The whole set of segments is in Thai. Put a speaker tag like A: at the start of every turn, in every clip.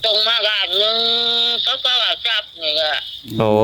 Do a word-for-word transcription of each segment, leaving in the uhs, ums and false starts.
A: งมาล้านหนึ่งเขาก็ว่าจับนี่ก็
B: โอ้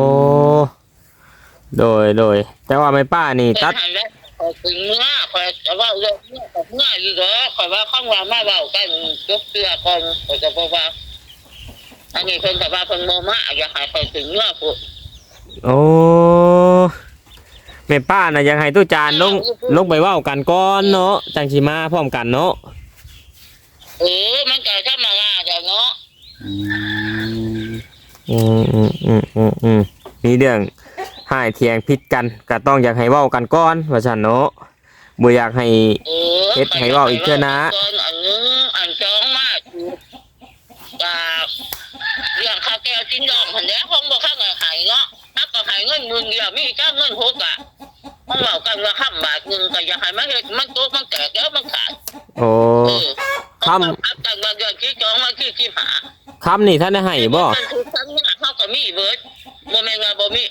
B: โดยโดยแต่ว่าไม่ป้านี่ตัด
A: คอยถึงเมื่อคอยว่าเรื่องเมื่อกับเมื่ออยู่เหรอคอยว่าข้างว่ามาเบากันยกเสื้อคนคอยจะบอกว่าอันนี้คนแต่ว่าคนโมมาอยากให้คอยถึงเมื่อพูด
B: โอ้แม่ป้าน่ะยังให้ตู้จานลงลงไปเว้ากันก่อนเนาะจังสิมาพร้อมกันเนาะ
A: เออมันก็ธรรมดาจ้ะเนาะ
B: อืมอืมอืมอืมอืมอืมมีเรื่องให้เถียงผิดกันก็ต้องอยากให้เว้ากันก่อนว่าซั่นเนาะบ่อยากให้เฮ็ดให้เว้าอีกเทื่อนะ
A: อันนึงอันสองมาจากเรื่องข้าวแก้วชิ้นดองหั่นแหละคงบ่คักให้ให้เนาะถ้าก็ให้เงินหมื่นเดียวมีจักเงินหกอ่ะมันเว้ากันว่าค่ำบาทนึงก็อยากให้มันเฮ็ดมันโตมันแตกแล้วมันขาด
B: โอ้ค
A: ำแต่บางอย่างที่จองมาที่ที่หา
B: คำนี่ท่านได้ให้บ่
A: คือคำนี้เขาก็มีเบิร์ดโมเมนต์บ่มี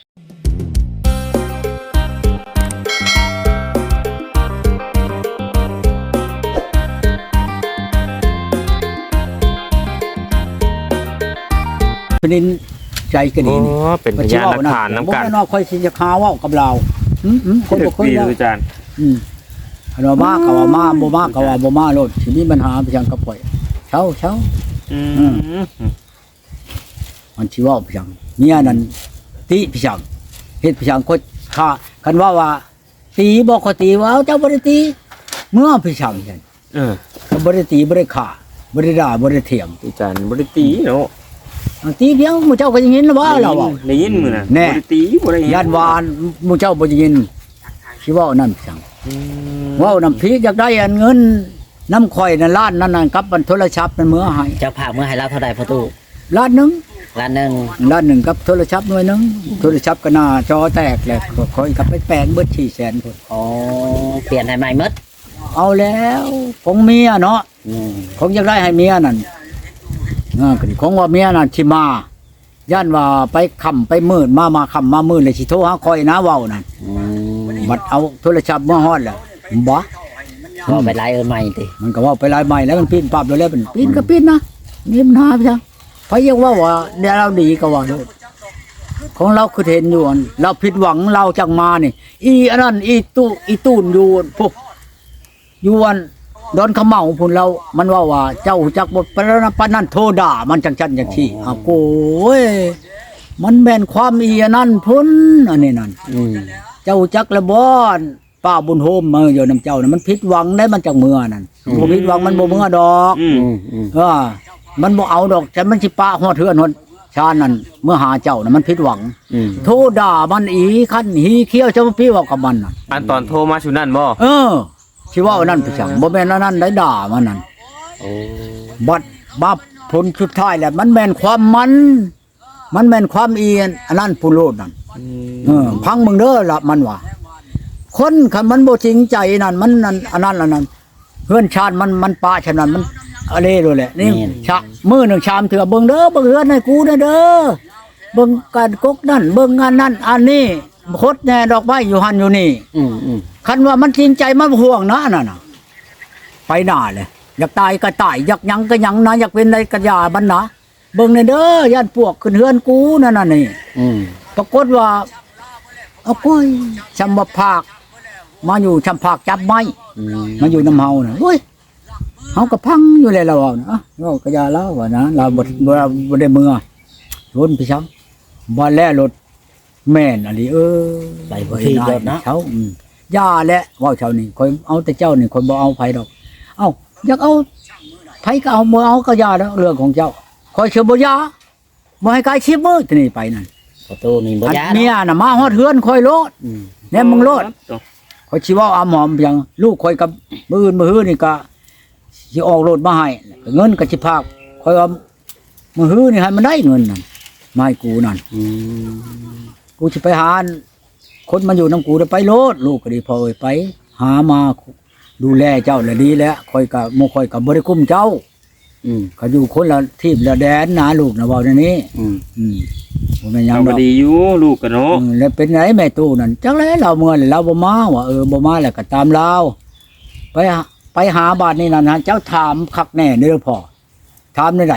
C: เป็นใจกันนี่
B: เป็นพยานหลักฐานน้ำกัน
C: บ่แม่นว่าค่อยสิจะค้าเว้ากับเราอืมๆคนบ่เคยแล้ว
B: อาจารย์
C: อืมอันว่ามาก็ว่ามาบ่มาก็ว่าบ่มาโลดสิมีปัญหาไปจังกับข่อยเช้าเช้า
B: อืม
C: มันสิเว้าไปจังเมียนั่นติไปจังเฮ็ดไปจังคนฆ่าคันว่าว่าตีบ่ก็ตีว่าเจ้าบ่ได้ตีเมื่อไปจังซั่น
B: เออ
C: ก็บ่ได้ตีบ่ได้ฆ่าบ่ได้ด่าบ่ได้เถียง
B: อาจารย์บ่ได้ตีเนาะ
C: ตีเพียงหมู่เจ้าก็ยังยินว่าเราอ่ะ
B: ได้ยินมื้อน่ะบ่ได้ตีบ่ได้
C: ย่านวานหมู่เจ้าบ่ได้ยินสิเว้านั่นจังเว้านำพีอยากได้อันเงินน้ำข่อยนั่นล้านนั่นน่ะกับมันโทรศัพท์นั่นมื้อให้
D: เจ้าภาพมื้อให้เราเท่าใดพ่อตู้
C: ล้านนึง
D: ล้านนึง
C: ล้านนึงกับโทรศัพท์หน่วยนึงโทรศัพท์ก็หน้าจอแตกแล้วข่อยกับไปแปลงเบิด สี่แสน พุ่น
D: อ๋อเปลี่ยนให้ใหม่หมด
C: เอาแล้วของเมียเนาะอืมของอยากได้ให้เมียนั่นอ่าก็ของว่าเมียนั่นสิมาย่านว่าไปค่ำไปมืดมามาค่ำมามืดเลยสิโทรหาข่อยนะเว้านั่นอืมบัดเอาโทรศัพท์มาฮอดแล้วบ่
D: ว่าไปไล่เอิ้นใหม่ติ
C: มันก็ว่าไปไล่ใหม่แล้วมันปีนปั๊บแล้วเป็นปีนก็ปีนนะมีปัญหาไปจังไผยังว่าว่าเดี๋ยวเราดีก็ว่าโลดของเราคือเห็นอยู่เราผิดหวังเราจังมานี่อีอันนั้นอีตู้อีตูนอยู่พวกอยู่วันดอนขะเมาพุ่นเรามันว่าว่าเจ้าจักบ่ปานปานนั้นโทด่ามันจังจั่นจังซี่อ้าวโอ้ยมันแม่นความอีอันนั้นพุ่นอันนี้นั่นอืมเจ้าจักละบ่ป้าบุญโฮมมาอยู่นำเจ้าน่ะมันผิดหวังได้มันจังเมื่อนั่นบ่ผิดหวังมันบ่เมื่อดอกอืมเออมันบ่เอาดอกแต่มันสิปะฮอดเทือนฮอดชานั่นเมื่อหาเจ้าน่ะมันผิดหวังโทด่ามันอีคันหีเขี้ยวจะมาพี่เว้ากับมันน่ะ
B: อันตอนโทรมาชุนั่นบ่
C: เออสิว่านั่นไปจังบ่แม่นนั่นได้ด่ามันนั่นโอ้บัดบับผลสุดท้ายแล้วมันแม่นความมันมันแม่นความเอียนอันนั้นผู้โลดนั่นเออพังมึงเด้อละมันว่าคนคันมันบ่จริงใจนั่นมันนั่นอันนั้นอันนั้นเฮือนชาติมันมันปะฉะนั้นมันอะไรด้วยแหละนี่ชะมื้อนึงชามเถื่อเบิ่งเด้อเบิ่งเฮือนให้กูเด้อเด้อเบิ่งการกกนั่นเบิ่งงานนั่นอันนี้โคตรแน่ดอกไม้อยู่หั่นอยู่นี่อือๆคันว่ามันจริงใจมันห่วงนะนั่นน่ะไปหน้าเลยอยากตายก็ตายอยากหยังก็หยังนะอยากเป็นอะไรก็อย่าบันนะเบิ่งเด้อย่านพวกขึ้นเฮือนกูนั่นน่ะนี่อืมปรากฏว่าเอาก้อยชำบ่ภาคมาอยู่ชำภาคจับไม้มาอยู่นำเฮาน่ะโอ้ยเฮาก็พังอยู่แล้วเราเนาะเฮาก็อย่าแล้วว่านะเราบ่บ่ได้เมื่อชนไปซ้ํบ่แลรถแม่นอะลิเออ
D: ไปบ่ที่รถนะ
C: เช้าอืมย่าแหละเว้าเช้านี่ข่อยเอาแต่เจ้านี่ข่อยบ่เอาไผดอกเอ้าอยากเอาไผก็เอาบ่เอาก็ย่าแล้วเรื่องของเจ้าข่อยเชื่อบ่ย่าบ่ให้กายชิบมื้อที่นี่ไปนั่น
D: ประตูนี่บ่ย่า
C: เมียน่ะมาฮอดเฮือนข่อยโลดอืมแน่มึงโลดข่อยสิเว้าอำหอมเพียงลูกข่อยกับมื้ออื่นมื้อฮื้อนี่ก็สิออกรถมาให้เงินก็สิพากข่อยว่ามื้อฮื้อนี่ให้มันได้เงินนั่นมาให้กูนั่นอืมกูสิไปหาคนมาอยู่นำกูได้ไปโลดลูกก็ดีพอเอ้ยไปหามาดูแลเจ้าละดีแล้วค่อยก็บ่ค่อยก็บ่ได้คุ้มเจ้าอืมก็อยู่คนละที่ละแดนนะลูกนะเว้าในนี้อืมอืมบ่แม่นหยังดอก
B: ดีอยู่ลูกก็เนาะ
C: แล้วเป็นไงแม่ตู้นั่นจังได๋เราเมื่อเราบ่มาว่าเออบ่มาแล้วก็ตามลาวไปไปหาบ้านนี่นั่นเจ้าถามคักแน่เด้อพ่อถามได้ได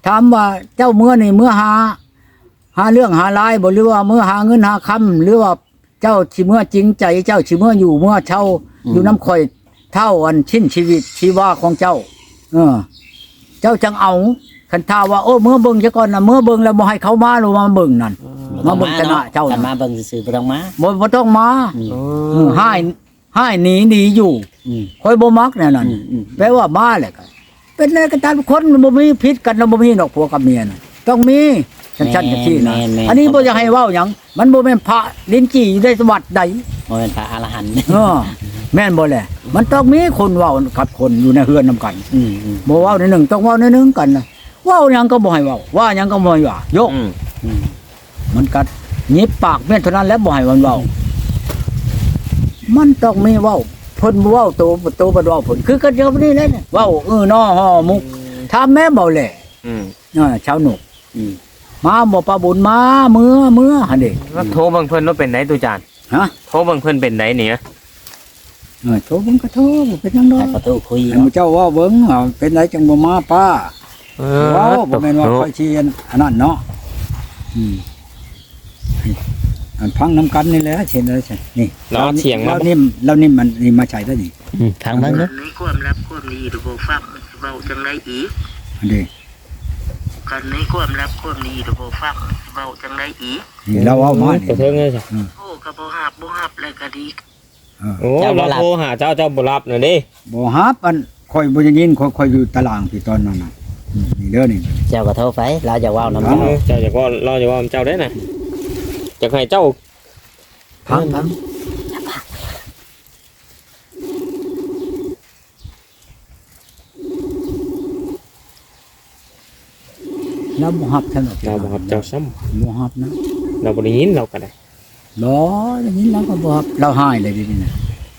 C: ถามว่าเจ้าเมื่อนี่เมื่อหา หาเรื่องหาลายบ่หรือว่าเมื่อหาเงินหาคำหรือว่าเจ้าสิเมื่อจริงใจเจ้าสิเมื่ออยู่เมื่อเช่าอยู่น้ำข่อยเท่าอันชิ้นชีวิตชีวาของเจ้า เออ เจ้าจังเอาคันท่าว่าโอ้เมื่อเบิ่งซะก่อนน่ะเมื่อเบิ่งแล้วบ่ให้เขามาหรือมาเบิ่งนั่น มาเบิ่งชนะเจ้า
D: กันมาเบิ่งซื่อๆบ่ต้องมา
C: บ่บ่ต้องมา
D: อืม
C: เออให้ให้หนีหนีอยู่
D: อืม
C: ข่อยบ่มักแน่นั่น
D: อืมอืม
C: แปลว่ามาแหละก็เป็นอะไรกันตามคนมันบ่มีพิษกันบ่มีดอกผัวกับเมียน่ะต้องมีฉันฉันจังซี่นะ
D: แม่นๆ
C: อันนี้บ่อยากให้เว้าหยังมันบ่แม่นพระลิ้นจี้อยู่ในสวัสดิ์ใด
D: บ่เป็นพระอรหันต์
C: เออแม่นบ่แหละมันต้องมีคนเว้ากับคนอยู่ในเฮือนนํกัน
D: อืมอืม
C: บ่เว้าในหนึ่งต้องเว้าในหนึ่งกันนะเว้าหยังก็บ่ให้เว้าว่าหยังก็บ่ให้ว่ายก
B: อืม
D: อืม
C: มันกัดหยิบปากแม่นเท่านั้นแล้วบ่ให้มันเว้ามันต้องมีเว้าเพิ่นบ่เว้าโตโตบ่เว้าเพิ่นคือกันเดียวนี้แหละเนี่ยเว้าเออน้อฮ้อมุกถามแม่บ่แหละ
B: อืม
C: เออชาวหนุก
D: อืม
C: มาบ่ปลาบุญมาเมื่อเมื่อหั่นเด้
B: แล้วโทรเบิ่งเพิ่นว่าเป็นไหนตุจาน
C: ฮะ
B: โทรเบิ่งเพิ่นเป็นไหนเนี่ย
C: เออโทรเบิ่งก็โทรบ่เป็นหยังดอ
D: ให้
C: ก
D: ประตูคุย
C: ให้หมู่เจ้าเว่าเบิ่งเอาเป็นไรจังบ่มาป้า
B: เอ
C: เว้าบ่แม่นว่า
B: โทร
C: ค่อยเชียนอันนั้นเนาะอืมอันพังน้ำกันนี่แหละเช่นอะไรใช่นี่
B: เราเอาเถียงมา
C: เรานิ่มเรานิ่มมันนี่มาใช้ได้นี่
D: อืมทางเบิ่งเด้อ
A: ในความลับความดีหรือบ่ฟังเว้าจังไดอีก
C: อันนี้
A: กันในความลับความดีหรือบ่ฟังเว้าจังไดอีก
C: นี่เราเอามา
B: ขอ
C: นี่
B: โทษเงี้ยจ้ะ
A: โอ้ก็บ่ฮับบ่ฮับแล้วก็ดี
C: เออ
B: โอ้เราโทรหาเจ้าเจ้าบ่รับน่ะเด้
C: บ่ฮับอันค่อยบ่ได้ยินค่อยค่อยอยู่ตารางพี่ตอนนั้นน่ะอืมนี่เด้อนี่
D: เจ้าก็โทรไปเราจะเว้านำ
C: ครั
D: เจ้า
C: บ
B: เจ้าอยากว่าเราอยากว่าเจ้าได้น่ะอยากให้เจ้า
C: พังพังเราบ่ฮับท่านหรอก
B: เราบ่รับเจ้าซ้ำ
C: บ่ฮับนะ
B: เราบ่ได้ยินเราก็ได้
C: รออย่างนี้เราก็บ่ฮับเราหายเลยดิเนี่ย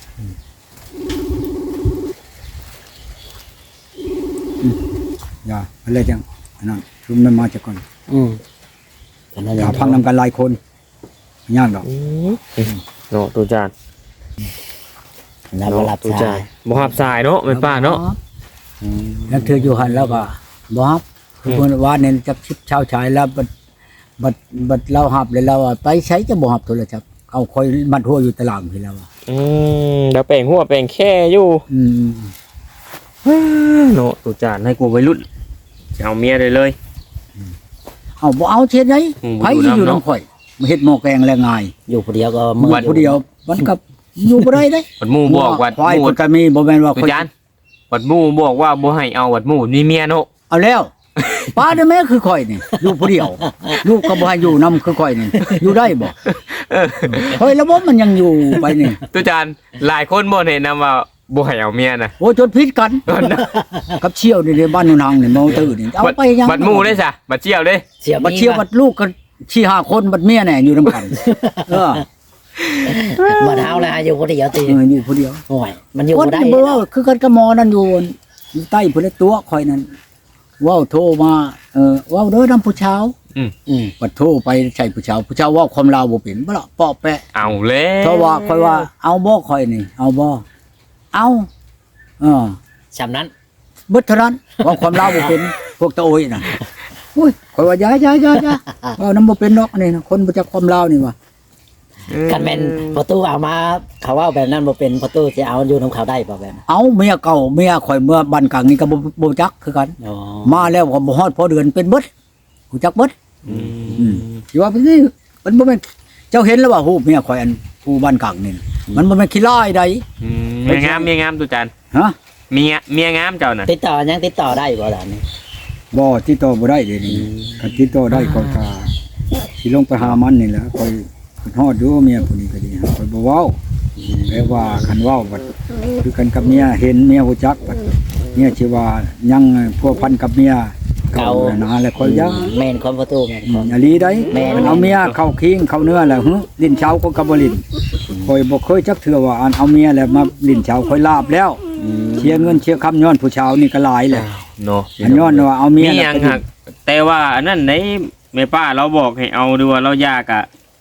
C: อืมอย่าอะไรจังอันนั้นชุมมันมาจากก่อน
D: อืมกันนั่น
C: อย่าพังนำกันหลายคนไม่ยากดอก
B: อืมเนาะตุจาน
D: เราบ่รับ
B: ตุ
D: สา
B: จาย นบ่รับสายเนาะแม่ป้าเนาะ
D: อืม
C: แล้วเธออยู่หันแล้วก็บ่ฮับคือคนว่าเนี่ยจับชิบเช้าชายแล้วบัดบัดบัดเราหับเลยเราอะไปใช้จะบ่ฮับโทรศัพท์เอาคอยมัดหัวอยู่ตารางพี่แล้วอะ
B: อืมเดี๋ยวแปลงหัวแปลงแค่อยู่
C: อืม
B: เนาะตุจานให้กูวัยรุ่นจะเอาเมียเลยเลย
C: เอาบ่เอาเทียนได
B: อืม
C: ไผสิอยู่นำข่อยมาเฮ็ดหม้อแกงแรงง่าย
D: อยู่ผู้เดียวก็
C: มื
D: มื
C: อผู้เดียวมันก็อยู่บ่ได้เด้
B: วัดหมู่บอกวัด
C: ควาย
B: หมู่
C: ก็จะมีบ่แม่นว่า
B: ตุ
C: ข่อย
B: จานวัดหมู่บอกว่าบ่ให้เอาวัดหมู่มีเมียเนาะ
C: เอาแล้วป้าได้แม่คือข่อยนี่อยู่ผู้เดียวลูกก็บ่ให้อยู่นำคือข่อยนี่อยู่ได้บ่
B: เออ
C: เฮ้ยระบบมันยังอยู่ไปนี่
B: ตุจานหลายคนบ่เห็นนะว่าบ่ให้เอาเมียน่ะ
C: โอ้จนพิษกัน กับเชี่ยวนี่ในบ้านนูนางนี่เมาตื้อนี่เอาไปยัง
B: บัดหมู่ได้ซะบัดเจียวเด้
D: เสีย
C: บัดเชี่ยวบัดลูกกันชี้ห้าคนบัดเมียแน่อยู่นำกันเออ
D: บ่เฮาแล้วอยู่ผู้เดียวติ
C: เอออยู่ผู้เดียว
D: โอ้ยมันอยู่
C: คน
D: บ่ได้
C: ที่บ่เว้าคือกันกับหมอนั่นอยู่อยู่ใต้พุ่นละตัวข่อยนั่นเว้าโทรมาเออเว้าเด้อนำผู้ชาว
D: อืม
C: บัดโทรไปใช่ผู้ชาวผู้ชาวเว้าความลาวบ่เป็นบ่ล่ะเปาะแปะ
B: เอาแล้ว
C: เพราะว่าข่อยว่าเอาบ่ข่อยนี่ เอาบ่เอาเออ
D: สำนั้น
C: เบิดเท่านั้นเว่าความลาวบ่เป็นพวกตะโอยน่ะอุ้ยข่อยว่าอย่าอย่าอย่าอย่าเว้านำบ่เป็นดอกนี่นะคนบ่จักความลาวนี่ว่า
D: คันแม่นประตูเอามาเขาเว้าแบบนั้นบ่เป็นประตูสิเอาอยู่นํเขาได้บ่แบบนั้น
C: เอาเมียเก่าเมียข่อยเมื่อบ้านกลางนี่ก็บ่บ่จักคือกัน
D: อ๋อ
C: มาแล้วก็บ่ฮอดพอเดือนเป็นเบิดรู้จักเบิด
B: อืม
C: อืมสิว่าเป็นนี่มันบ่แม่นเจ้าเห็นแล้วว่าฮู้เมียข่อยอันผู้บ้านกลางนี่น่ะมันบ่แม่นขี้ร้ายใด
B: อืมเมียงามเมียงามตุจาน
C: ฮะ
B: เมียเมียงามเจ้าน่ะ
D: ติดต่อยังติดต่อได้บ่ล่ะนี่
C: บ่ติดต่อบ่ได้เดี๋ยวนี้คันติดต่อได้ก็ก็สิลงไปหามันนี่แหละข่อยฮอดอยู่เมียผู้นี้ก็ดีข่อยบ่เว้าแปลว่าคันเว้าบัดคือกันกับเมียเห็นเมียฮู้จักบัดเมียสิว่ายังพัวพันกับเมียเก่านะแล้วข่อยยัง
D: แม่นคนประตูแม่นคน
C: อย่าลีได้
D: แม่น
C: เอาเมียเข้าคิงเข้าเนื้อแล้วหึลิ้นเช้าก็กระบลิ้นคอยบ่เคยจักเทื่อว่าอันเอาเมียแล้วมาลิ้นเช้าคอยลาบแล้วเชียร์เงินเชียร์คำย้อนผู้เช้านี่ก็หลายแหละ
B: เนาะ
C: อันย้อนว่าเอาเมี
B: มี
C: ย
B: หยังหักแต่ว่าอันนั้นในแม่ป้าเราบอกให้เอาดูว่าเรายากอะ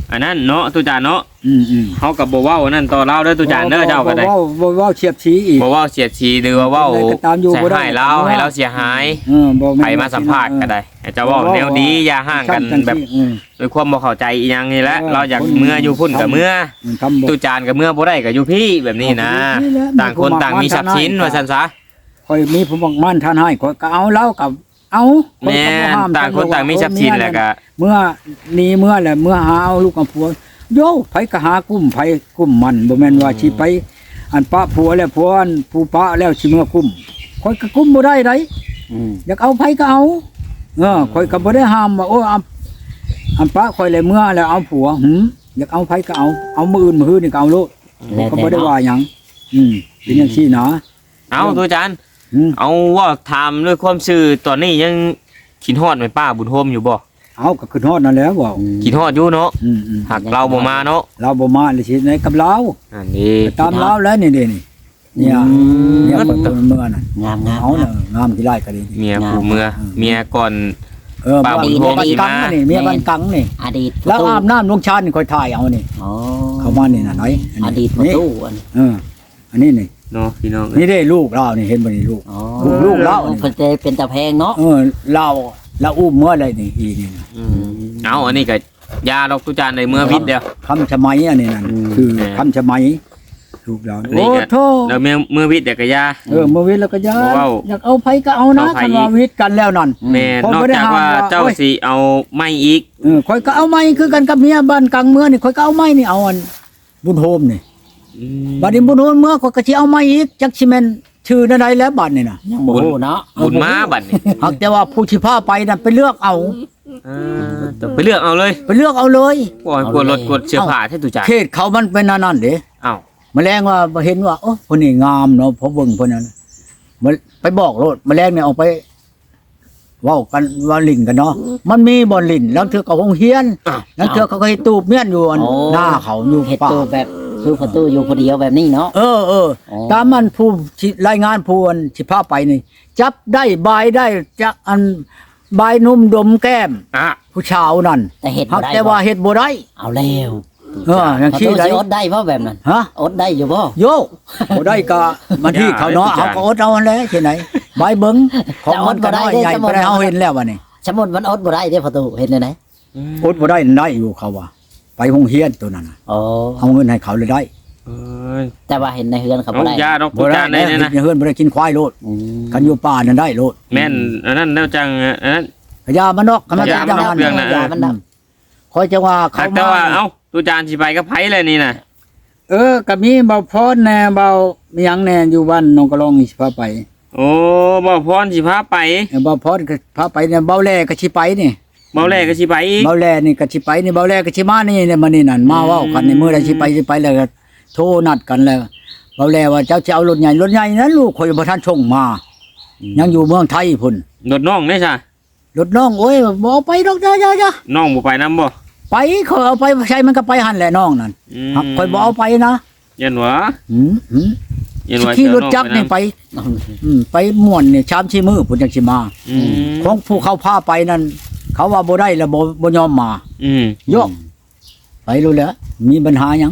B: อันนั้นเนาะตุจานเนาะ
C: อืมอืม
B: เฮาก็บ่เว้าอันนั้นต่อเล่าเด้อตุจานเด้อเจ้าก็ได้
C: บ่เว้าบ่เว้าเฉียบชี้อีก
B: บ่เว้าเสียดสีหรือว่าเว้า
C: ก็ตามอยู่
B: ใส่
C: บ่ได้
B: ให้เราให้เราเสียหาย
C: เออบ่
B: ไผมาสัมภาษณ์ก็ได้ให้เจ้าเว้าแนวดีอย่าห่างกันแบบ
C: อืม
B: ด้วยความบ่เข้าใจอีหยังนี่แหละ
C: เออ
B: เราอยากเมื่ออยู่พุ่นก็เมื่อ
C: อืมทำบ่
B: ตุจานก็เมื่อบ่ได้ก็อยู่พี่แบบนี้นะ
C: เอาอยู่พี่แหละ
B: ต่างคนต่างมีทรัพย์สินว่าซั่นซะ
C: ข่อยมีผู้บังคับท่านให้ข่อยก็เอาแล้วกับเอาข่อย
B: แม่
C: ก็บ่ห้าม
B: ต่างคนต่างมีทรัพย์สินแหละก็
C: เมื่อนี้เมื่อแหละเมื่อหาเอาลูกกับผัวโยไผก็หากุ้มไผกุ้มมันบ่แม่นว่าสิไป อันปะผัวแล้วผัวอันผู้ปะแล้วสิเมื่อกุ้มข่อยก็กุ้มบ่ได้ได
D: อืม
C: อยากเอาไผก็เอาเออข่อยก็บ่ได้ห้ามว่าโอ้อันอันปะข่อยเลยเมื่อแล้วเอาผัวหึอยากเอาไผก็เอาเอามื้ออื่นมื้อฮื้อนี่ก็เอาโลด
D: แล้ว
C: ก็
D: แต่
C: บ่ได้
D: เนาะ
C: ว่าหยังอืมเป็นจังซี่นะ
B: เอาตุจาน
C: อืม
B: เอาว่าถามด้วยความซื่อตอนนี้ยังขินฮอดไหมป้าบุญโฮมอยู่บ่
C: เอาก็ขึ้นฮอดนั่นแหล้วว่า
B: ขินฮอดอยู่เนาะ
C: อืมอืม
B: หักเราบ่มาเนาะ
C: เราบ่มาเลยสิในกับเรา
B: อันนี้
C: ตามเราแล้วนี่เด้นี่เนี่ยเนี่ยคนตัวเมื่อนั่น
D: งามงาม
C: เอา
D: งา
C: น่ะ
D: ม
C: งามที่ไรก็ดี
B: เมียผู้เมื่อเมียก่อน
C: เออ
B: ป้าบุญโฮม
C: บ้าน
B: สิ
C: กั
B: มา
C: งนี่เมียบ้านกังนี่
D: อดีต
C: แล้วอาบน้ำลงชาตินี่ค่อยถ่ายเอานี่
D: อ๋อ
C: เข้ามานี่น่ะน้อยน
D: อ
C: นี้
D: ดีตประ
C: นี่
D: ตูอัน
C: เอออันนี้นี่
B: เนาะพี่น้อง
C: นี่ได้ลูกเรานี่เห็นบ่นี่ลูก
D: อ๋อ
C: ลูกเล่า
D: เพิ่นจะเป็นตะแพงเนาะ
C: เออเราเราอุ้มเมื่อไรนี่อีนี่นะ
B: อืมเอาอันนี้ก็ยาดอกตุจานในเมื่อวิทย์เดียว
C: คำชะไมอันนี้นั่นคือคำชะไมลูกเรา
B: นี่
C: โอ้
B: ก็
C: โธ่
B: แล้วเมื่อเมื่อวิทย์เดี๋ยวก็ยา
C: เออเมื่อวิทย์แล้วก็ยา
B: บ่เว้า
C: อยากเอาไผก็เอานะ
B: เอาไผ
C: คันว่าวิทย์กันแล้วนั่น
B: แม่
C: ผม
B: นอก
C: บ่ได้
B: จากว่า
C: ห้ามว่า
B: เจ้า
C: โอ้ย
B: สิเอาไม่อีก
C: เออข่อยก็เอาไม้คือกันกับเมียบ้านกลางเมืองนี่ข่อยก็เอาไม้นี่เอาอันบุญโฮมนี่บัดนี้บุญโฮมเมื่อข่อยก็สิเอาไม้อีกจักสิแม่นชื่อใดๆแล้วบัดนี่น่ะ
D: ยังบ่รู้เนาะ
B: บุญมาบัดนี้
C: หากแต่ว่าผู้สิพาไปน่ะไปเลือกเอา
B: อ่าต้องไปเลือกเอาเลย
C: ไปเลือกเอาเลย
B: ปล่อยกดรถกดเสื้อผ้าให้ตุจาน
C: เขตเขามันเป็นอันนั้นเด้
B: อ้าว
C: แมลงว่าเห็นว่าโอ้คนนี้งามเนาะพอเบิ่งเพิ่นนั้นมันไปบอกโลดแมลงเนี่ยออกไปเว้ากันว่าลิ้นกันเนาะมันมีบ่อนลิ้นแล้วเทื่อก็คงเฮียนแล้วเทื่อเขาก็ให้ตูบเมียนอยู่อันหน้าเขาอยู่
D: เฮ็ด
C: ป่า
D: ตัวแบบคือประตูอยู่คนเดียวแบบนี้เนาะ
C: เออเออ
D: อ๋อ
C: ตามมันผู้ที่รายงานผู้อันสิพาไปนี่ จับได้บายได้จะอันบายนุ่มดมแก้ม
B: อ่ะ
C: ผู้ชาวนั่น
D: แต่เฮ็ด
C: หั
D: บ่
C: ก
D: ได้
C: แต่ว่าเฮ็ดบ่ได้
D: เอาแล้ว
C: เอออย่าง
D: ประ
C: ที่
D: ตู
C: ใด
D: สิอดได้บ่แบบนั้น
C: ฮะ
D: อดได้อยู่บ่
C: โยบ่ได้ก็มันที่เขาเนาะเขาก็อดเอาอันแหละที่ไหนบายเบิ่งของมันก็น้อยใหญ่บ่ได้เฮาเห็นแล้วว่านี่
D: สมมุติมันอดบ่ได้เด้ประตูเฮ็ดได้ไหน
C: อดบ่ได้ได้อยู่เขาว่า ไปโรงเรียนตัวนั้นน่ะ
D: อ๋อ
C: เอาเงินให้เขาเลยได้
B: เอ้ย
D: แต่ว่าเห็นในเฮือนเขา
B: เอา
D: บ่ได้
B: ยาดอกตุจานได้เนี่ยนะ
C: เฮือนบ่ได้กินควายโลด
D: อืม
C: กันอยู่ป่านั่นได้โลด
B: แม่นอันนั้นแล้วจังอันนั้น
C: พญามันนอกกันมา
B: พญามันนอกเรื่องน่ะ
D: ยามันดับ
C: คอยจะว่า
B: หั
C: เขา
B: กแต่ว่าเอ้าตุจานสิไปกับไผเลยนี่น่ะ
C: เออก็มีเบาพรแน่เบามีหยังแน่อยู่บ้านนองกระลองนี่สิพาไป
B: โอ้บ่พรสิพาไป
C: เออเบาพรก็พาไปเนี่ยเบาแลก็สิไปนี่
B: เบาแรกก็สิไปอีก
C: เบาแลนี่ก็สิไปนี่เบาแลก็สิมานี่เนี่ยมานี่นั่นมาเว้ากันในมื้อใดสิไปสิไปแล้วก็โทรนัดกันแล้วเบาแลว่าเจ้าสิเอารถใหญ่รถใหญ่นั้นลูกข่อยบ่ทันส่งมา ยังอยู่เมืองไทยพุ่น
B: รถน้องได้ซะ
C: รถน้องโอ้ยบ่เอาไปดอกจ้าๆ
B: น้องบ่ไปนํบ่
C: ๆไปเขาเอาไปใช้มันก็ไปหั่นแหละน้องนั่น
B: อืม
C: หักข่อยบ่เอาไปนะ
B: ยันหวะ
C: หืมหืม
B: ยันหวะ
C: ขี่
B: เจ้าร
C: ถ
B: น้อง
C: จักรนี่
B: นำ
C: ไปอืมไปม่วนนี่ชามชีมือพุ่นจังสิมา
B: อืม
C: ของผู้เขาพาไปนั่นเขาว่าบ่ได้แล้วบ่บ่ยอมมา
B: อืม
C: โยกไปรู้แล้วมีปัญหาหยัง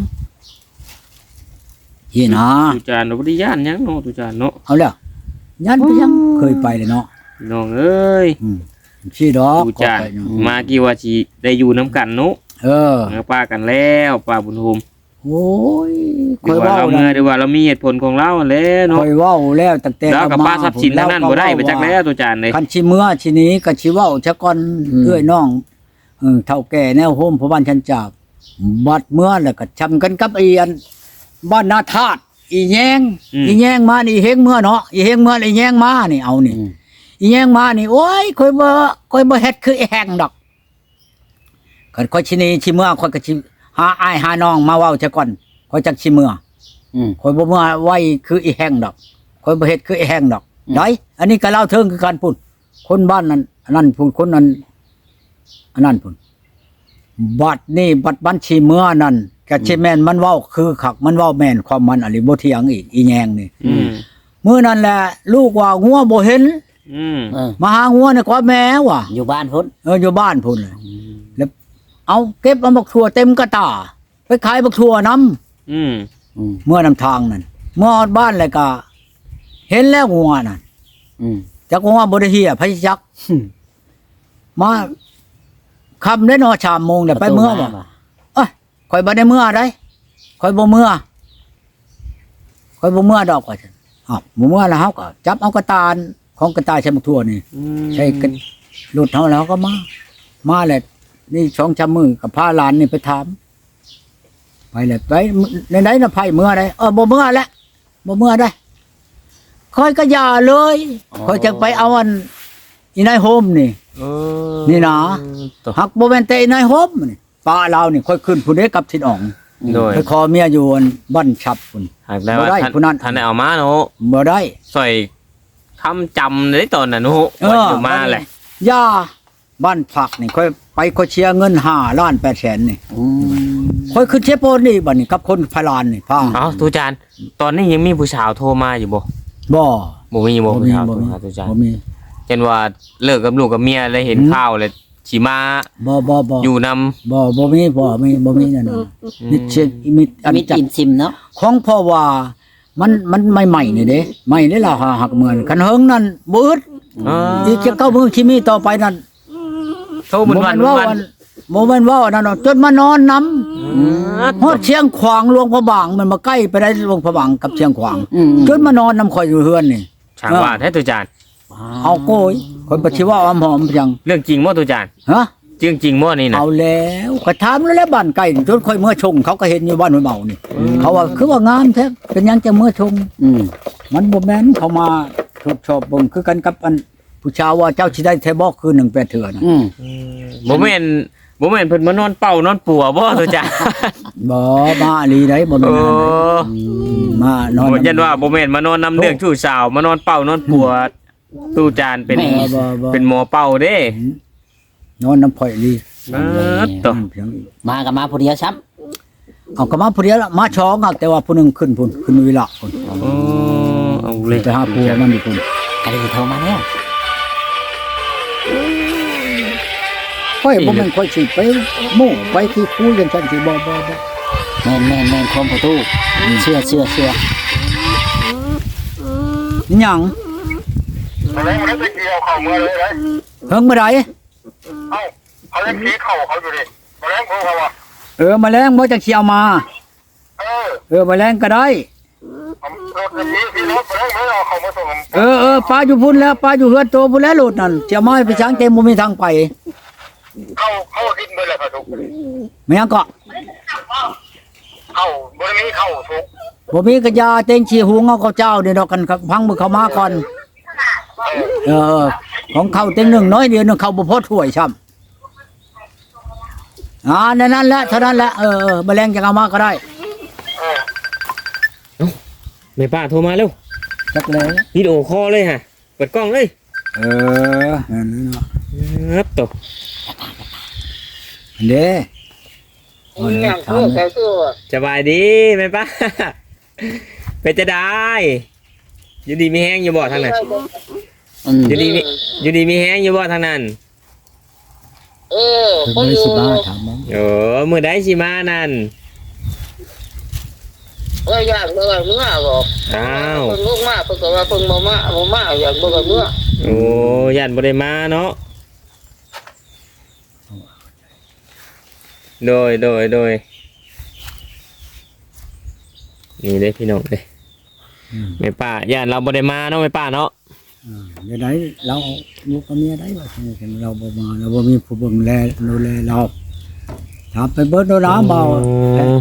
C: เฮียนะ
B: ตุจานบ่ได้ย่านหยังเนาะตุจานเนาะ
C: เอาแล้วยันไปยังเคยไปเลยเนาะ
B: น้องเอ้ย
C: อืมชื่อดอก
B: ตุจาน
C: ขอไปเนาะ
B: มากี่ว่าสิได้อยู่นํกันเนาะ
C: เออ
B: เออป้ากันแล้วป้าบุญโฮม
C: โอ้ยค
B: ดี
C: อย
B: ว่า
C: เว้า
B: เรา
C: นะ
B: เมื่อดีว่าเรามีเหตุผลของเราแหล้ว
C: ค
B: เนาะ
C: อยเว้าแล้วตั้งแต่
B: แล้วกับ
C: เร
B: ป้าทรัพย์สินทั้งนั้นบ่ได้ไปจักแล้วตุจานเลย
C: คันชิเมื่อชินี้ก็ชิเว้าชะก่อนเอื้อยน้องเออเฒ่าแก่แนวโฮมพ่อบ้านชันจากบัดเมื่อแล้วก็ชำกันกับไอีอันบ้านนาธาตุอีแยงอีแยงมานี่เฮงเมื่อเนาะอีเฮงเมื่ออีแยงมานี่เอานี่
D: อืม
C: อีแยงมานี่โอ้ยคอยบ่คอยบ่เฮ็ดคือไอ้แหงดอกคันคอยชินีชิเมื่อคอยก็ชิหาอ้ายหาน้องมาเว้าซะก่อนคอยจักชิเมื่อ
D: อืม
C: คอยบ่เมื่อไว้คือไอ้แหงดอกคอยบ่เฮ็ดคือไอ้แหงดอก
D: อืม
C: ได้อันนี้ก็เล่าเทิงคือกันพุ่นคนบ้านนั้นอันนั้นพุ่นคนนั้นอันนั้นพุ่นบัดนี่บัดบัญชีเมื่อนั้นก็สิแม่นมันเว้าคือคักมันเว้าแม่นความมันอะไรบ่เถียงอีกอีแยงนี่
B: อืม
C: มื้อนั้นแหละลูกว่างัวบ่เห็น
B: อืม
D: เออ
C: มาหางัวเนี่ยกว่าแม่ว่ะ
D: อยู่บ้านพุ่น
C: เอออยู่บ้านพุ่นเลยแล้วเอาเก็บเอาบักทั่วเต็มกระตาไปขายบักทั่วน้
B: อืม
D: อืม
C: ำเมื่อนำทางนั่นเมื่ออดบ้านเลยก็เห็นแล้วงัวนั่น
D: อืม
C: จักงัวบ่ได้เฮียไผจักมาคำได้นอชามโมงเดี๋ยวไปเมื่อบ่เอ้ยข่อยบ่ได้เมื่อได้ข่อยบ่เมื่อข่อยบ่เมื่อดอกว่าซั่นอ้าวบ่เมื่อแล้วเฮาก็จับเอากระตาลของกระตายใช้บักทั่วนี่ ใช่กันรถเฮาแล้วก็มา มาแหละนี่ช่องชำมือกับพาหลานนี่ไปถามไปเลยไปในไหนน่ะไผเมื่อใดเออบ่เมื่อแล้วบ่เมื่อได้ค่อยก็อย่าเลยค่อยจะไปเอาอันอีนายโฮมนี่
B: เออ
C: นี่นะ
B: ตัว
C: หักบ่แม่นแต่อีนายโฮมนี่ป้าเรานี่ค่อยขึ้นผู้ใดกับทิดอ่อง
B: โดย
C: ไปขอเมียอยู่อันบ้านฉับพุ่น
B: หากได้ว่า
C: บ่ได้
B: ท่าน
C: ผู้นั้น
B: ท่านได้เอามาเนาะ
C: บ่ได้
B: ใส่คำจำในตอนนั้นโอ้โห
C: เออ
B: ว่าอยู่มาแหละ
C: ย่าบ้านผักนี่ค่อยไปค่อยเชียร์เงินห้าล้านแปดแสนนี่
D: อืม
C: ค่อยขึ้นเชฟโปนนี่บัดนี้กับคนพลานนี่พา
B: เอ้าตูจานตอนนี้ยังมีผู้สาวโทรมาอยู่บ่
C: บ่
B: บ่มีบ่
C: บ่
B: ผู้
C: มี
B: สาวโท
C: บ่
B: ร
C: มี
B: มาตูจาน
C: บ่มี
B: เช่นว่าเลิกกับลูกกับเมียเลยเห็นข่าวเลยสิมา
C: บ่บ่บ่
B: อยู่นำ
C: บ่บ่มีบ่มีบ่มีนั่นน่ะมิดเชนมิดอัน
D: มี
C: จัด
D: จินซิมเนาะ
C: ของพ่อว่ามันมันใหม่ๆนี่เด้ใหม่นี่ล่ะหาหักเหมือนคันเฮิงนั่นบ่อึด
B: อ๋อ
C: อีกจะเก้ามื้อที่มีต่อไปนั่น
B: โทรเป็นวัน
C: บ่
B: วั
C: แม่
B: น
C: นว่าบ่แม่นว่านั่นเนาะจนมานอนนำ ฮอดเชียงขวางหลวงพระบางมันมาใกล้ไปได้หลวงพระบางกับเชียงขวาง
D: อืม
C: จนมานอนนำข่อยอยู่เฮือนนี่
B: ช่างว่าแท้ตูจาน
C: เอาโกยคนปฏิว่าอมหอมเพียง
B: เรื่องจริงบ่ตูจาน
C: ฮะ
B: จริงจริงบ่นี่นะ
C: เอาแล้วก็ถามแล้วแหละบ้านไก่จนค่อยเมื่อชง เขาก็เห็นอยู่บ้านห้วยเมานี่เขาว่าคือว่างามแท้เป็นหยังจะเมื่อชง
D: อืม
C: มันบ่แม่นเขามาชอบชอบเบิ่งคือกันกับอันผู้ชาวว่าเจ้าสิได้แท้บ่คือหนึ่งแปดเถื่อนะ
D: อืม
B: บ่แม่นบ่แม่นเพิ่นมานอนเป่านอนปัวบ่ตูจาน
C: บ่มาอีหลีได้บ่แม่
B: โอ้
C: นนั่นได้มานอน
B: บ่ยันว่าบ่แม่นมานอนนำเรื่องชู้สาวมานอนเป่านอนปัวตูจานเป็น
C: บ่บ่บ่
B: เป็นหมอเป่าเด้
C: นอนน้ำข่อยอีหลี
B: เออตัว
C: เพียงอีก
D: มากับมาผู้เดียวซ้
C: เอาก็มาผู้เดียวละมาช้องอะแต่ว่าผู้หนึงขึ้นพุ่นขึ้นวิละพุ่น
B: โอ้เอาเลย
C: ไปหาผัวมันนี่พุ่น
D: ำอะไรที่โทรมาเนี่ย
C: ค่อยบ่แม่นค่อยสิไปโม่ไปที่คุยกันจังสิบ่บ่บ่
D: แม่นแม่นแม่นความประตูเชื่อเชื่อเชื่อ
C: หยัง
E: มาแล้วมันได้เกี่ยวเข่ามือเลยเลย
C: เฮิงบ่ได้
E: เอ้าเขาเล่นผีเข่าเขาอยู่ดิมาแล้วเขาเขาอ่ะ
C: เออแมลงบ่จังสิเอามา
E: เออ
C: เออแมลงก็ได้
E: ผมรถอย่างนี้พี่รถมาแล้วไม่เอาเขามาส่ง
C: เออเออปลาอยู่พุ่นแล้วปลาอยู่เฮือนโตพุ่นแล้วโลดนั่นจะมาให้ไปช้างเต็มบ่มีทางไป
E: เข้าเข้าดินไปเลยครับทุก
C: แม่ยังก็
E: เข้าบริเวณเข้าทุก
C: บ่มีกระยาเต็งขี้หุงเอาข้าวเจ้านี่ดอกกันครับพังมือเข้ามาก่อนเออของเขาเต็งหนึงน้อยเดียวนึงเขาบ่พอถ้วยซ้ำอ่านั่นนั่นแหละเท่านั้นแหละเออเออแมลงจะเอามาก็ได้
E: เออ
B: แม่ป้าโทรมาเร็ว
C: จักเลย
B: วิดีโอคอลเลยฮะเปิดกล้องเลย
C: เออนั่นเนาะ
B: ครับตัว
C: เด้
A: อืมอย่างเพื่อแค่ตัว
B: สบายดีแม่ป้า เป็นจะได้อยู่ดีมีแห้งอยู่บ่ทางนั้น
D: อืม
B: อยู่ดีมีอยู่ดีมีแห้งอยู่บ่ทางนั้น
A: เออ
C: เพิ่น
A: เขา
C: บ่
A: อ
C: ได้
A: ยู่
C: สิมาถามมัน
B: โอ้มือได้สิมานั่น
A: เอออยากเมื่อเมื่อบอก
B: อ้าว
A: เพิ่งลูกมาเพิ่งก็ว่าเพิ่งมามาบ่มาอยากเมื่อเมื่อ
B: โอ้ยันบ่ได้มาเนาะโดยโดยโดยนี่เด้พี่น้องเด้แม่ป้าย่านเราบ่ได้มาเนาะแม่ป้าเนาะ
C: อ่าเดี๋ยวไหนเราลูกกับเมียได้ว่าเห็นเราบ่มาเราบ่มีผู้เบิ่งแลดูแลเราถามไปเบิดโดนน้ำเบา
B: อืม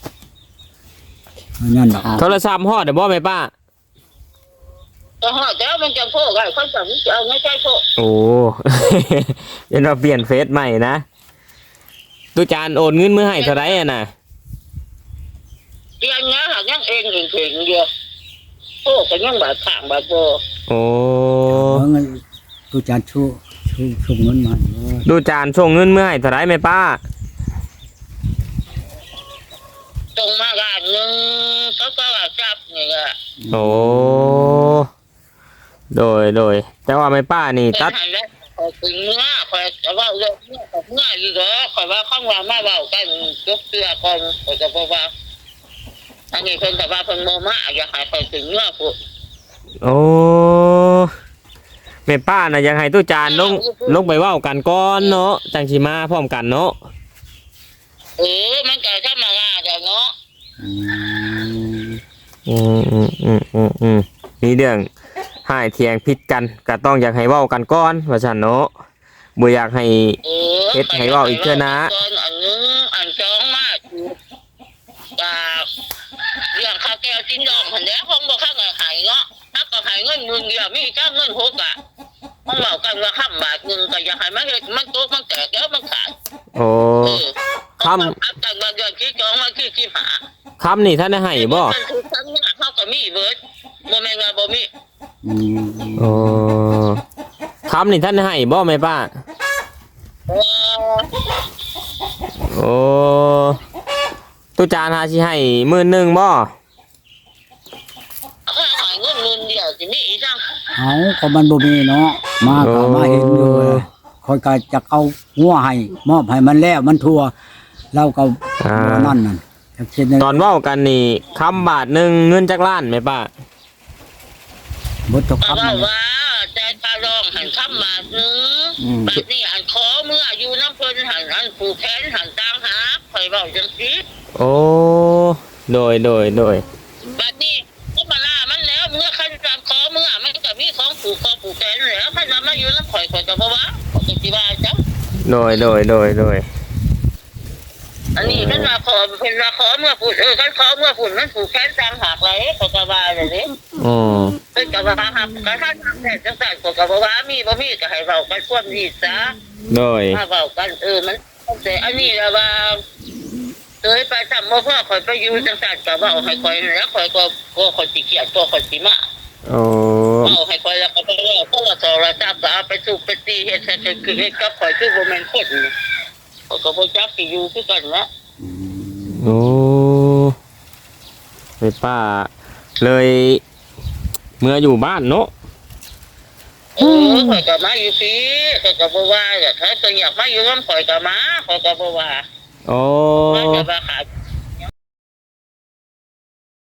C: อันนั่นดอก
B: โทรศัพท์ฮอดเด้อบ่แม่ป้า
A: ก็ฮอดแล้วมันจะโพกให้เขาสั่งจะเอาไม่ใช่โพก
B: โอ้ เดี๋ยวเราเปลี่ยนเฟซใหม่นะตุจานโอนเงินมือให้เท่าไหร่อะน่ะ
A: เตียงเนี้ยหากยังเองเองเองเดียวโพกก็ยังบาดข้างบาดโบ
B: โอ้
C: เพราะงั้นตูจานชูชูชูเงินมาเออ
B: ดูจานส่งเงินมือให้เท่าไหร่แม่ป้า
A: ตรงมากันหนึ่งเขาก็ว่าจับนี่ก็
B: โอ้ โดยโดยแต่ว่าแม่ป้านี่
A: เป็น
B: ตัด
A: หันแล้วคอยถึงเมื่อคอยจะว่าเรื่องเมื่อกับเมื่ออยู่เหรอคอยว่าข้างว่ามาเบากันยกเสื้อก่อนคอยจะบอกว่าอันนี้เพิ่นแต่ว่าเพิ่นโมมาอยากให้คอยถึงเมื่อพูด
B: โอ้แม่ป้าน่ะอยากให้ตู้จานลงลงไปเว้ากันก่อนเนาะจังสิมาพร้อมกันเนาะ
A: เออมันก็ธรรมดาจ้ะเนาะ
C: อืม
B: อืมอืมอืมอืมอืมมีเรื่องหายเถียงผิดกันก็ต้องอยากให้เว้ากันก่อนว่าซั่นเนาะบ่อยากให้
A: เออ
B: เฮ็ดให้เว้าอีกเทื่อนะ
A: ตอนอันนึงอันสองมาอยู่จากเรื่องข้าวแก้วชิ้นดองหันแหล้วคงบ่ข้างหายเนาะถ้าก็หายเงินหมื่นเดียวมีแค่เงินหกอ่ะมันเว้ากันว่าค่ำบาทหนึงก็อยากให้มันเฮ็ดมันตกมันแตกแล้วมันขาด
B: โอ้
A: เออ
B: ค่ำ
A: อับกันบางเดือนที่จองมาที่ที่หา
B: คำนี่ท่านได้ให้บ่
A: มันคือทั้งเนี่ยเขาก็มีเบิดบ่แม่นว่าบ่มี
C: อืม
B: โอ้คำนี่ท่านได้ให้บ่แม่ป้า
A: เออ
B: โอ้ตู้จานหาสิให้หมื่นหนึ่งบ่
A: ถ้าหายเงินหมื่นเดียวสิมีอีจัง
C: เอาก็มันบ่มีเนาะมาก็มาเห็นอยู่คอยก็จะเอาหัวให้มอบให้มันแล้วมันทั่วเราก็
B: อ่า
C: บ่นั่นนั่นจักเช่นนั้น
B: ตอนเว้ากันนี่คำบาทหนึ่งเงินจักล้านแม่ป้า
C: บ่ตก
A: ก็
C: คำ
A: ว่า
C: นั่น
A: ว่าแต่ตาลองหันคำบาทหนึง
C: อืม
A: บาทนี้อันขอเมื่ออยู่น้ำเพิ่นหันอันผูกแขนหันตามหาข่อยเว้าจังซี่
B: โอ้โดยโดยโดย
A: บาทนี้ก็มาล่ามันแล้วเมื่อคันตามขอเมื่อมันก็มีของผูกคอผูกแขนแล้วคันว่ามาอยู่น้ำข่อยข่อยก็บ่ว่าข่อยก็สิว่าจัง
B: โดยโดยโดยโดย
A: อันนี้คันว่าขอเพิ่นว่าขอเมื่อพูดเออคันขอเมื่อพูดมันผูกแขนตามหากไหลข่อยก็ว่าจังซี่
B: อ๋อ
A: เพิ่นก็ว่าครับก็ถ้าทำแต่จังซั่นก็ก็บ่ว่ามีบ่มีก็ให้เว้ากันความดีซะ
B: โดย
A: ถ้าเว้ากันเออมันแต่อันนี้ล่ะว่าเคยไปทำบ่พอข่อยไปอยู่จังซั่นก็เว้าให้ข่อยแล้วข่อยก็ก็ข่อยสิเครียดก็ข่อยสิมา
B: โอ้
A: เว้าให้ข่อยแล้วก็ไปเว้าเพราะว่าโทรศัพท์ก็เอาไปสูบไปตีเฮ็ดให้คือเฮ็ดกับข่อยคือบ่แม่นคนข่อยก็บ่จักสิอยู่คือกันนะ
B: โอ้แม่ป้าเลยเมื่ออยู่บ้านเนาะ
A: เออข่อยก็มาอยู่พี่ข่อยก็บ่ว่าถ้าเพิ่นอยากมาอยู่นำข่อยก็มาข่อยก็บ่ว่า
B: โอ้
A: ว่าจะว่าขาด